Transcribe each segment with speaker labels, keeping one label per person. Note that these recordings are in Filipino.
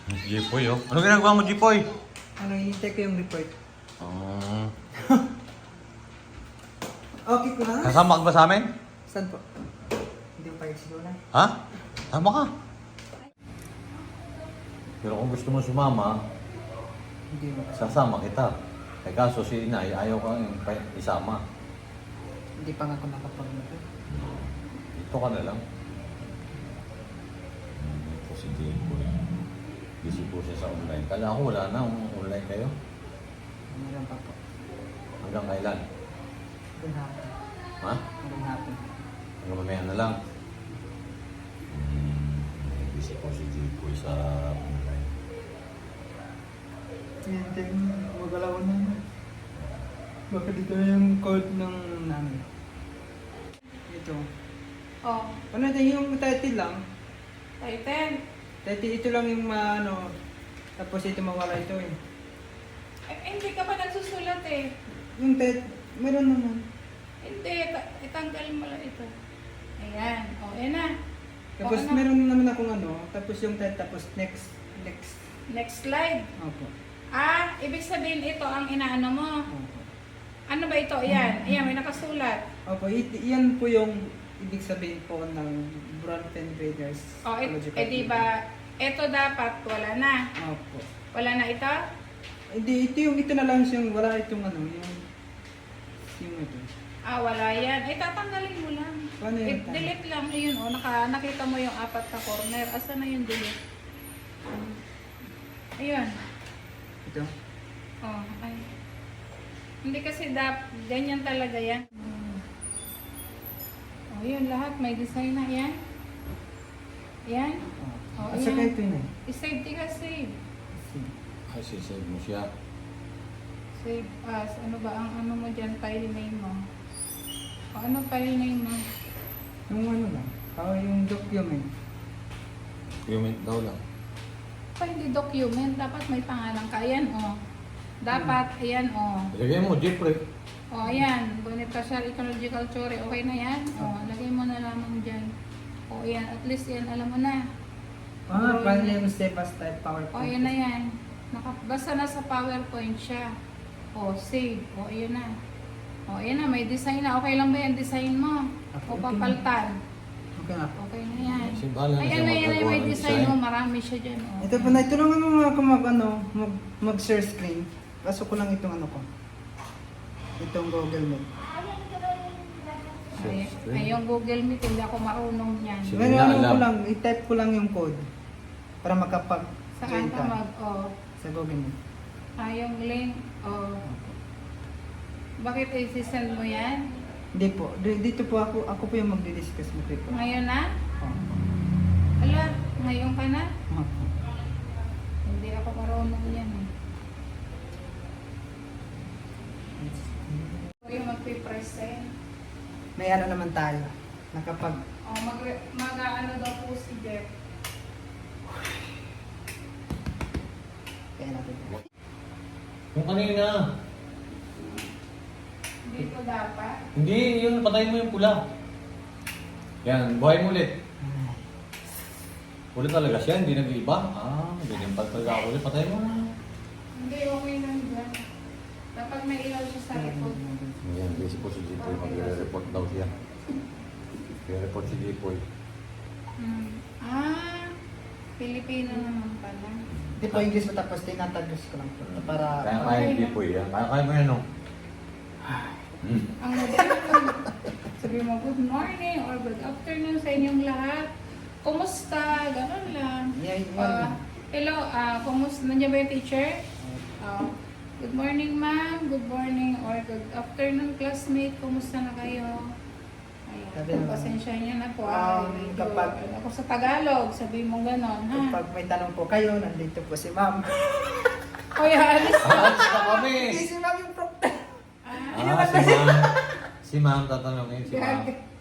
Speaker 1: Si Jipoy, oh. Ano ginagawa mo, Jipoy?
Speaker 2: Ano, hinihintay ko yung report.
Speaker 1: Oh.
Speaker 2: Okay ko na?
Speaker 1: Kasama ka ba sa amin?
Speaker 2: Saan po? Hindi ko payag siguro na.
Speaker 1: Ha? Tama ka. Pero kung gusto mo sumama,
Speaker 2: Hindi mo.
Speaker 1: sasama kita. Eh kaso si Inay, ayaw kang isama.
Speaker 2: Hindi pa nga ako nakapag
Speaker 1: Ito ka na lang. Ito si Jipoy. Busy po siya sa online. Kala ko wala na, online kayo.
Speaker 2: Ano lang pa po.
Speaker 1: Hanggang kailan?
Speaker 2: Hanggang hapon.
Speaker 1: Ha?
Speaker 2: Hanggang hapon.
Speaker 1: Hanggang mamaya na lang. Busy po si Jipoy sa online.
Speaker 2: Hinihintay mo. Magalawan na yun. Baka dito na yung code ng namin. Ito.
Speaker 3: Oh,
Speaker 2: Ano din yung title lang?
Speaker 3: title.
Speaker 2: Title ito lang yung ano. Tapos ito mawala ito eh.
Speaker 3: Hindi ka pa nagsusulat eh.
Speaker 2: Yung title, meron naman.
Speaker 3: Hindi, itanggal mo lang ito. Ayan. O, ayan na.
Speaker 2: Tapos
Speaker 3: O, ano?
Speaker 2: meron naman akong ano. Tapos yung title, tapos next.
Speaker 3: Next slide.
Speaker 2: Opo.
Speaker 3: Ah, ibig sabihin ito ang inaano mo.
Speaker 2: Opo.
Speaker 3: Ano ba ito? Ayan. Ayan, may nakasulat.
Speaker 2: Opo, yan po yung ibig sabihin po ng Bronfen Breeders.
Speaker 3: O,
Speaker 2: Ecological
Speaker 3: di ba, ito dapat wala na.
Speaker 2: Breeding. Opo.
Speaker 3: Wala na ito?
Speaker 2: Hindi, ito na lang siyang wala itong ano, yung ito.
Speaker 3: Ah, wala yan. Eh, tatanggalin mo lang.
Speaker 2: Paano yun?
Speaker 3: Delete lang. Ayun, o. Nakita mo yung apat na corner. Asa na yung delete? Ayun.
Speaker 2: Ito?
Speaker 3: Oh, ay. Hindi kasi ganyan talaga yan. Oh, yun lahat. May design na yan. Yan. Oh,
Speaker 2: At saka
Speaker 3: ayan.
Speaker 2: ito yun eh.
Speaker 3: I-save di ka save.
Speaker 1: Ay, sisave mo siya.
Speaker 3: Save as. Ano ba ang ano mo dyan? File name mo. O ano file name mo?
Speaker 2: Yung ano lang. Yung document.
Speaker 1: Comment daw lang.
Speaker 3: Pa hindi document. Dapat may pangalan ka. Ayan o. Dapat. Ayan o.
Speaker 1: Ilagay mo, Jipoy.
Speaker 3: O ayan. Beneficial Ecological Theory. Okay na yan. O. Lagay mo na lamang dyan. O ayan. At least yan. Alam mo na.
Speaker 2: File name, step as type,
Speaker 3: O
Speaker 2: PowerPoint.
Speaker 3: ayan na yan. Basta nasa PowerPoint siya. O save. O ayan na. O ayan na. May design na. Okay lang ba yan design mo? O
Speaker 2: Okay.
Speaker 3: papaltan.
Speaker 2: Okay na po.
Speaker 3: Okay na yan.
Speaker 1: Kasi bahala na
Speaker 3: Ayan
Speaker 1: siya
Speaker 3: na yan.
Speaker 1: magagawa
Speaker 3: May
Speaker 1: ng
Speaker 3: design mo. Marami siya dyan. O.
Speaker 2: Ito po na, ito lang ano ako mag-share screen. Pasok ko lang itong ano ko. Itong Google Meet.
Speaker 3: Ay, yung Google Meet, hindi ako marunong yan.
Speaker 1: Sige.
Speaker 2: Ngayon
Speaker 1: na
Speaker 2: ano ko
Speaker 1: alam.
Speaker 2: lang, i-type ko lang yung code para makapag-join
Speaker 3: Saan ka
Speaker 2: ka sa Google Meet.
Speaker 3: yung link, bakit i-send mo yan?
Speaker 2: Hindi po, dito po ako po yung magdi-discuss mo po.
Speaker 3: Ngayon na?
Speaker 2: Oh.
Speaker 3: Ala, ngayon ka na?
Speaker 2: Opo.
Speaker 3: Hindi ako marunong yan eh. Ito yung magpipresent.
Speaker 2: May ano naman tayo, nakapag
Speaker 3: Mag-ano daw po si Jeff.
Speaker 2: kaya natin.
Speaker 1: Yung kanina.
Speaker 3: Dito dapat.
Speaker 1: Hindi, yung patayin mo yung pula. Yan, buhay mo ulit. Ulit talaga siya, hindi nag-iiba. Ganyan pa talaga ako ulit. Patayin mo na.
Speaker 3: Hindi, okay lang dyan. Dapat may ilaw siya sa likod.
Speaker 1: Ayan, busy po si Jipoy. Magre-report daw siya. Magre-report si Jipoy.
Speaker 3: Pilipino naman pala.
Speaker 2: Hindi po English mo tapos tinatagos ko lang po para
Speaker 1: Kaya yung Jipoy yan. Kaya mo yan, no?
Speaker 3: Ang magandang sabi mo, good morning or good afternoon sa inyong lahat. Kumusta? Ganun lang. Hello, kumusta? Nandiyan ba yung teacher? Good morning, ma'am. Good morning or good afternoon, classmate. Kumusta na kayo?
Speaker 2: Sabi
Speaker 3: Ayan,
Speaker 2: naman.
Speaker 3: pasensya niyo na po.
Speaker 2: Kapag-
Speaker 3: Ako sa Tagalog, sabi mo gano'n, ha?
Speaker 2: Pag may tanong po kayo, nandito po si ma'am.
Speaker 3: Oy, alis na.
Speaker 1: Alis na kami!
Speaker 2: Hindi si ma'am yung proctor.
Speaker 1: Si ma'am. Si ma'am, tatanungin si ma'am.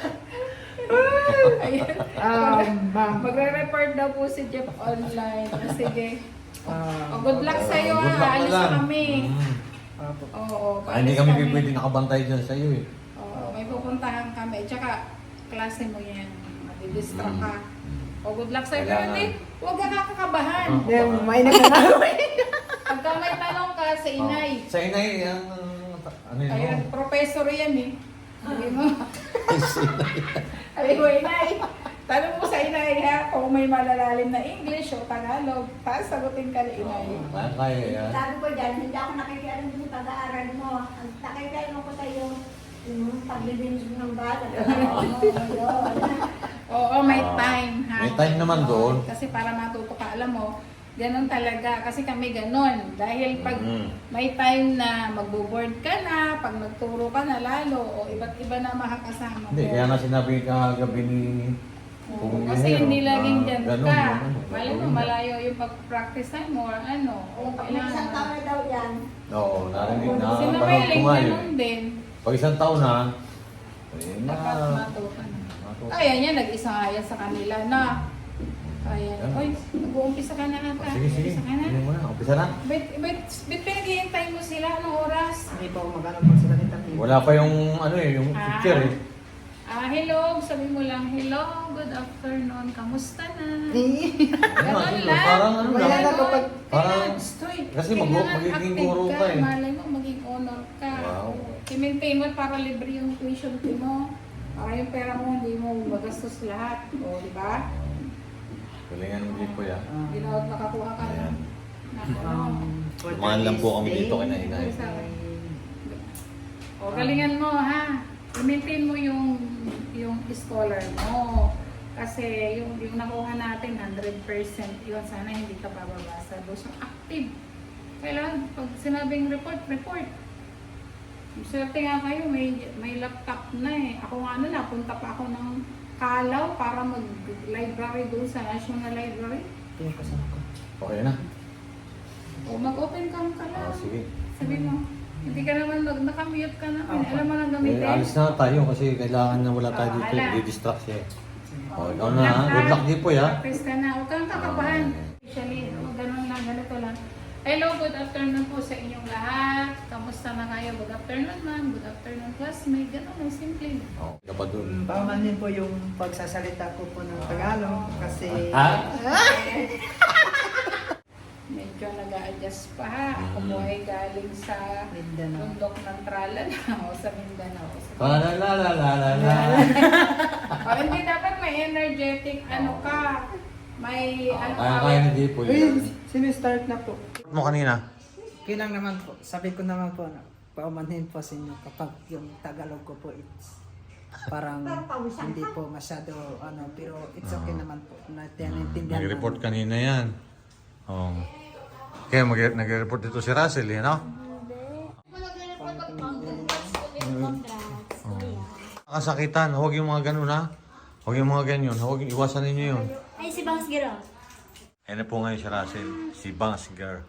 Speaker 3: Ayan.
Speaker 2: Ma'am.
Speaker 3: Magre-report daw po si Jeff online. Sige. Good luck sa'yo,
Speaker 1: Good luck
Speaker 3: ha?
Speaker 1: na
Speaker 3: Alis
Speaker 1: lang.
Speaker 3: na kami.
Speaker 2: Opo.
Speaker 3: Oo,
Speaker 1: Hindi
Speaker 3: alis
Speaker 1: kami pwede nakabantay dyan sa iyo eh.
Speaker 3: Oo, may pupuntahan kami. Tsaka, klase mo yan. Madidistract ka. O O, good luck sa'yo. Pero
Speaker 1: Kailangan.
Speaker 3: hindi, huwag ka kakakabahan.
Speaker 1: Oh.
Speaker 2: May nagkakaroon.
Speaker 3: Pagka may tanong ka sa inay,
Speaker 1: Sa inay, ang ano yun?
Speaker 3: ayun, professor yan eh. Sabi mo,
Speaker 1: Sa inay.
Speaker 3: sabi mo, inay. Tanong mo sa inay ha, kung may malalalim na English o Tagalog, tapos sagutin ka ni inay.
Speaker 1: Kaya yan.
Speaker 4: Sabi ko dyan, hindi ako nakikialam sa pag-aaral mo. Ang nakikialam ko sa'yo, yung paglilinis mo ng bata.
Speaker 3: Oo, may time ha.
Speaker 1: May time naman doon.
Speaker 3: Kasi para matuto ka, alam mo, ganun talaga. Kasi kami ganun. Dahil pag may time na magbo-board ka na, pag nagturo ka na lalo, o iba't iba na makakasama
Speaker 1: Hindi,
Speaker 3: mo.
Speaker 1: kaya nga sinabi kagabi ni
Speaker 3: Oo, kasi hindi laging dyan
Speaker 1: ganun,
Speaker 3: ka.
Speaker 1: ganun.
Speaker 3: Malay mo, malayo yung pag-practice time mo or ano. O
Speaker 4: Pag may isang taon na daw yan,
Speaker 1: Oo, narinig na.
Speaker 3: Si
Speaker 1: Panood ko
Speaker 3: Noeling,
Speaker 1: nga yun.
Speaker 3: ganun din.
Speaker 1: Pag isang taon na, eh,
Speaker 3: Dapat
Speaker 1: na.
Speaker 3: matuto na. Kaya niya, nag-isa nga yan sa kanila na. Kaya, oy, nag-uumpisa ka na ata.
Speaker 1: Sige, sige.
Speaker 3: Umpisa ka na.
Speaker 1: Hindi mo na. Umpisa na.
Speaker 3: Bet pinaghihintay mo sila anong oras?
Speaker 2: Hindi pa magkano po sila kita.
Speaker 1: Wala pa yung ano eh, yung picture eh.
Speaker 3: Hello, sabi mo lang, hello, good afternoon, kamusta na?
Speaker 1: Ano,
Speaker 3: Ganun lang.
Speaker 1: Parang ano
Speaker 2: Wala
Speaker 1: lang.
Speaker 2: na kapag...
Speaker 3: Kailangan,
Speaker 1: Parang-
Speaker 3: straight.
Speaker 1: kasi
Speaker 3: Kailangan
Speaker 1: magiging
Speaker 3: active
Speaker 1: guro ka eh.
Speaker 3: Malay mo, maging honor ka.
Speaker 1: Wow.
Speaker 3: I-maintain mo para libre yung tuition fee mo. Para yung pera mo, hindi mo magastos lahat. O, di ba?
Speaker 1: Galingan mo dito ya.
Speaker 3: Ginawa nakakuha ka
Speaker 1: Ayan.
Speaker 3: na ano.
Speaker 1: Tumahan lang po kami dito kay Nainay.
Speaker 3: O, galingan mo ha. I-maintain mo yung scholar mo. Kasi yung nakuha natin, 100% yun. Sana hindi ka bababasa. Doon siyang active. Kailangan, pag sinabing report, report. Swerte nga kayo, may laptop na eh. Ako nga napunta pa ako ng Kalaw para mag-library doon sa National Library.
Speaker 1: Okay na.
Speaker 3: O mag-open cam ka lang.
Speaker 1: Sige.
Speaker 3: Sabi mo, hindi ka naman nakamute ka namin. Alam mo lang
Speaker 1: Eh,
Speaker 3: gamitin.
Speaker 1: alis na tayo kasi kailangan na wala tayo dito.
Speaker 3: Wala.
Speaker 1: Di-distract siya. O, ikaw na ha. Good luck din po ya.
Speaker 3: Practice ka na. Huwag kang kakabahan. Actually, ganun lang, ganito lang. Hello, good afternoon po sa inyong lahat. Kamusta na kayo? Good afternoon ma'am. Good afternoon classmate. Ganun lang, simple.
Speaker 1: O, ka pa dun.
Speaker 2: Paumanhin po yung pagsasalita ko po ng Tagalog kasi...
Speaker 1: Ha?
Speaker 3: Medyo nag-a-adjust pa ha. Ako po ay galing sa
Speaker 2: Mindanao.
Speaker 3: bundok ng Tralan o sa Mindanao.
Speaker 1: La la la la la la.
Speaker 3: O hindi dapat may energetic ano ka. May ano ka.
Speaker 1: Kaya na di po
Speaker 2: Uy,
Speaker 1: yun.
Speaker 2: sinistart na po.
Speaker 1: Mo kanina?
Speaker 2: Kailang naman po, sabi ko naman po na paumanhin po sa inyo kapag yung Tagalog ko po it's parang hindi po masyado ano, pero it's okay naman po. Naintindihan
Speaker 1: Nag-report
Speaker 2: namin.
Speaker 1: kanina yan. Oh. Kaya nag-report dito si Russell, you know? Nakasakitan, huwag yung mga ganun ha. Huwag yung mga ganyan, huwag yung iwasan ninyo yun.
Speaker 4: ay si Bangs Giro.
Speaker 1: Ayan na po ngayon si Russell, si Bangs Girl.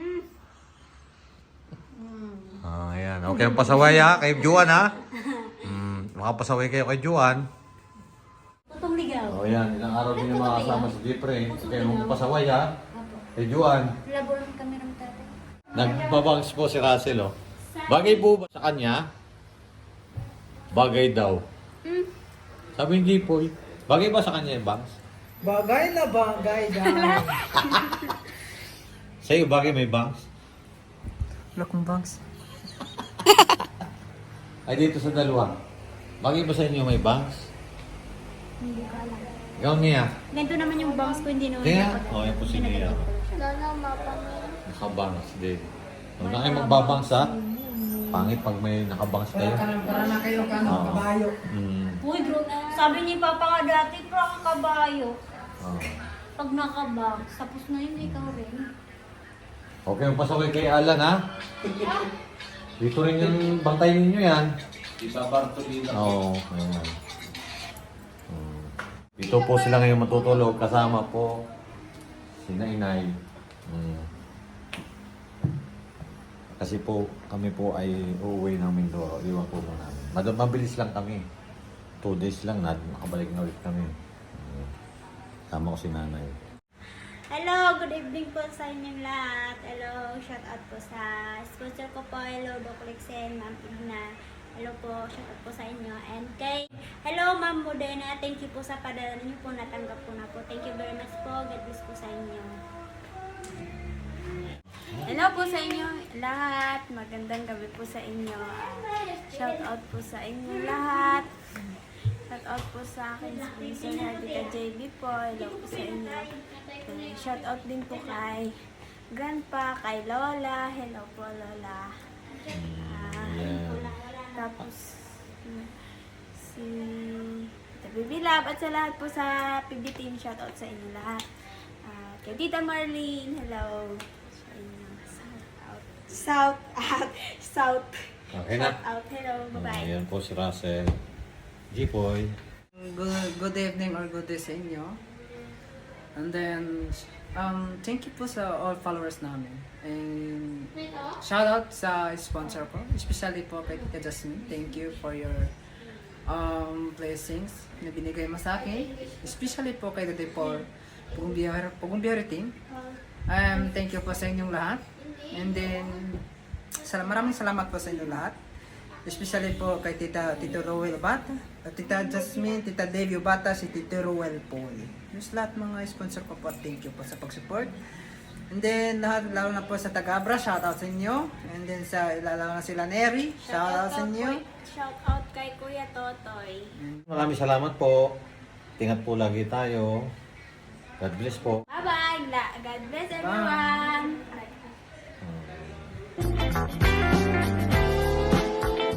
Speaker 1: Ayan, okay ang pasaway ha, kay Juan ha. Makapasaway kayo kay Juan.
Speaker 4: Tutong ligaw.
Speaker 1: O yan, ilang araw din yung mga kasama si Jeffrey. Kaya magpasaway ha, kay Juan.
Speaker 4: Labo lang kami ng tatay.
Speaker 1: Nagbabangs po si Russell, oh. Bagay po ba sa kanya? Bagay daw. Sabi ni Poy, bagay ba sa kanya yung bangs?
Speaker 2: Bagay na bagay dyan.
Speaker 1: Sa'yo, bagay may bangs?
Speaker 2: Wala kong bangs.
Speaker 1: Ay, dito sa dalawa. Bagay ba sa inyo may bangs?
Speaker 4: Hindi ko alam.
Speaker 1: Ikaw niya.
Speaker 4: Ganito naman yung bangs ko, hindi naman.
Speaker 1: Kaya? Oo, yan po si Nia.
Speaker 4: Lolo, mapangin.
Speaker 1: Nakabangs din. Huwag na kayo magbabangs ha. Pangit pag may nakabangs kayo.
Speaker 2: Para na kayo ka ng
Speaker 1: Oo.
Speaker 2: kabayo.
Speaker 4: Uy, bro, sabi ni Papa nga dati, pro ang kabayo.
Speaker 1: Oh.
Speaker 4: Pag nakabang, tapos na yun, ikaw rin.
Speaker 1: Okay, magpasaway kay Alan ha. Dito rin yung bantayin ninyo yan.
Speaker 5: Isa Bartolina.
Speaker 1: Oo, ayan. Dito po sila ngayon matutulog kasama po si Nainay. Kasi po kami po ay uuwi ng Mindoro. Iwan po mo namin. Mabilis lang kami. 2 days lang na makabalik na ulit kami. Sama ko si Nanay.
Speaker 4: Hello, good evening po sa inyong lahat. Hello, shout out po sa sponsor ko po. Hello, Doc Lexen, Ma'am Igna.
Speaker 6: Hello po, shout out po sa inyo. And kay, hello Ma'am Modena, thank you po sa padala niyo po, natanggap ko na po. Thank you very much po, God bless po sa inyo. Hello po sa inyo lahat, magandang gabi po sa inyo. Shout out po sa inyo lahat. Shout out po sa akin, sponsor na Tita JB po. Hello po sa inyo. Shout out din po kay Grandpa, kay Lola. Hello po Lola. Tapos si Tita Baby Love at sa lahat po sa PB Team, shout out sa inyo lahat. Kay Tita Marlene, hello sa inyo. Shout out.
Speaker 1: Okay na.
Speaker 6: Shout out, hello, bye-bye.
Speaker 1: Ayan po si Russell. G-Boy.
Speaker 2: Good evening or good day sa inyo. And then, thank you po sa all followers namin. And shout out sa sponsor ko, especially po kay Tita Jasmine. Thank you for your blessings na binigay mo sa akin. Especially po kay Tita Paul, Pugumbiyari Team. Thank you po sa inyong lahat. And then, maraming salamat po sa inyong lahat. Especially po kay Tito Rowell Bata, Tita Jasmine, Tita Davio Bata, si Tito Rowell Paul. Yung lahat mga sponsor ko po, thank you po sa pag-support. And then, lahat, lalo na po sa Tagabra, shout out sa inyo. And then, lalo na sila Neri, shout out sa inyo.
Speaker 6: Shout out kay Kuya Totoy.
Speaker 1: Maraming salamat po. Ingat po lagi tayo. God bless po.
Speaker 6: Bye-bye. God bless everyone.
Speaker 1: Bye.